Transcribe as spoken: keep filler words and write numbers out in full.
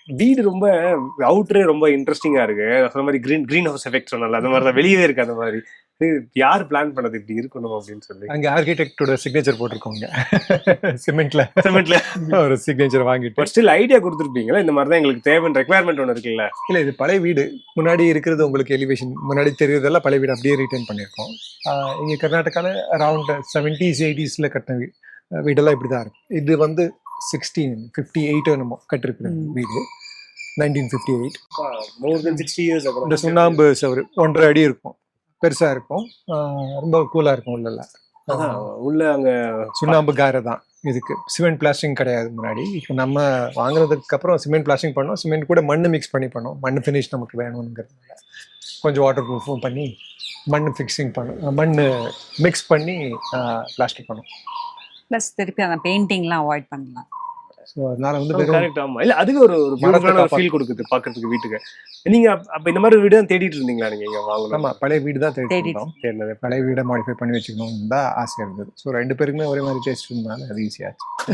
வீடு ரொம்ப அவுட்டரே ரொம்ப இன்ட்ரெஸ்டிங்கா இருக்கு. சொன்ன மாதிரி கிரீன் கிரீன் ஹவுஸ் எஃபெக்ட் சொன்னல, அந்த மாதிரி தான் வெளியவே இருக்கு. அந்த மாதிரி யார் பிளான் பண்ணது இப்படி இருக்கணும் அப்படின்னு சொல்லி? அங்க ஆர்கிடெக்டோட சிக்னேச்சர் போட்டிருக்கோங்க சிமெண்ட்ல சிமெண்ட்ல ஒரு சிக்னேச்சர் வாங்கிட்டு. பட் ஸ்டில் ஐடியா கொடுத்துருப்பீங்களா, இந்த மாதிரி தான் எங்களுக்கு தேவையான ரெக்யர்மெண்ட் ஒன்று இருக்குல்ல? இல்லை, இது பழைய வீடு. முன்னாடி இருக்கிறது உங்களுக்கு எலிவேஷன் முன்னாடி தெரியுறதெல்லாம் பழைய வீடு அப்படியே ரிட்டர்ன் பண்ணியிருக்கோம். இங்கே கர்நாடகாவில் அரவுண்ட் செவன்டீஸ் எயிட்டிஸில் கட்டின வீ வீடெல்லாம் இப்படி தான் இருக்கும். இது வந்து சிக்ஸ்டீன் ஃபிஃப்டி எயிட் என்னமோ கட்டிருக்கிற வீடு, nineteen fifty eight. More than sixty years அப்புறம் இந்த சுண்ணாம்பு சவறு ஒன்றரை அடி இருக்கும், பெருசாக இருக்கும், ரொம்ப கூலாக இருக்கும். உள்ளெல்லாம் உள்ள அங்கே சுண்ணாம்பு காரை தான். இதுக்கு சிமெண்ட் பிளாஸ்டிங் கிடையாது முன்னாடி. இப்போ நம்ம வாங்குறதுக்கு அப்புறம் சிமெண்ட் பிளாஸ்டிங் பண்ணோம். சிமெண்ட் கூட மண் மிக்ஸ் பண்ணி பண்ணோம். மண் ஃபினிஷ் நமக்கு வேணுங்கிறதுனால கொஞ்சம் வாட்டர் ப்ரூஃபும் பண்ணி மண் ஃபிக்ஸிங் பண்ணோம், மண் மிக்ஸ் பண்ணி பிளாஸ்டிக் பண்ணோம். ப்ளஸ் திருப்பி அந்த பெயிண்டிங்லாம் அவாய்ட் பண்ணலாம். ஸோ அதனால வந்து வெறும் கரெக்ட். ஆமா, இல்ல அதுக்கு ஒரு ஒரு பியூட்டிஃபுல்லான ஒரு ஃபீல் கொடுக்குது பார்க்கறதுக்கு வீட்டுக்கு. நீங்க அப்- அப்ப இந்த மாதிரி வீடு தான் தேடிட்டு இருந்தீங்களா நீங்க இங்க வாங்கணும்? நம்ம பழைய வீடு தான் தேடி தேடிட்டு. இருந்தோம். தேடினது. பழைய வீடை மாடிஃபை பண்ணி வச்சுக்கணும்னு தான் ஆசை இருந்தது. ஸோ ரெண்டு பேருக்குமே ஒரே மாதிரி டேஸ்ட் இருந்தாலும் அது ஈஸியாச்சு.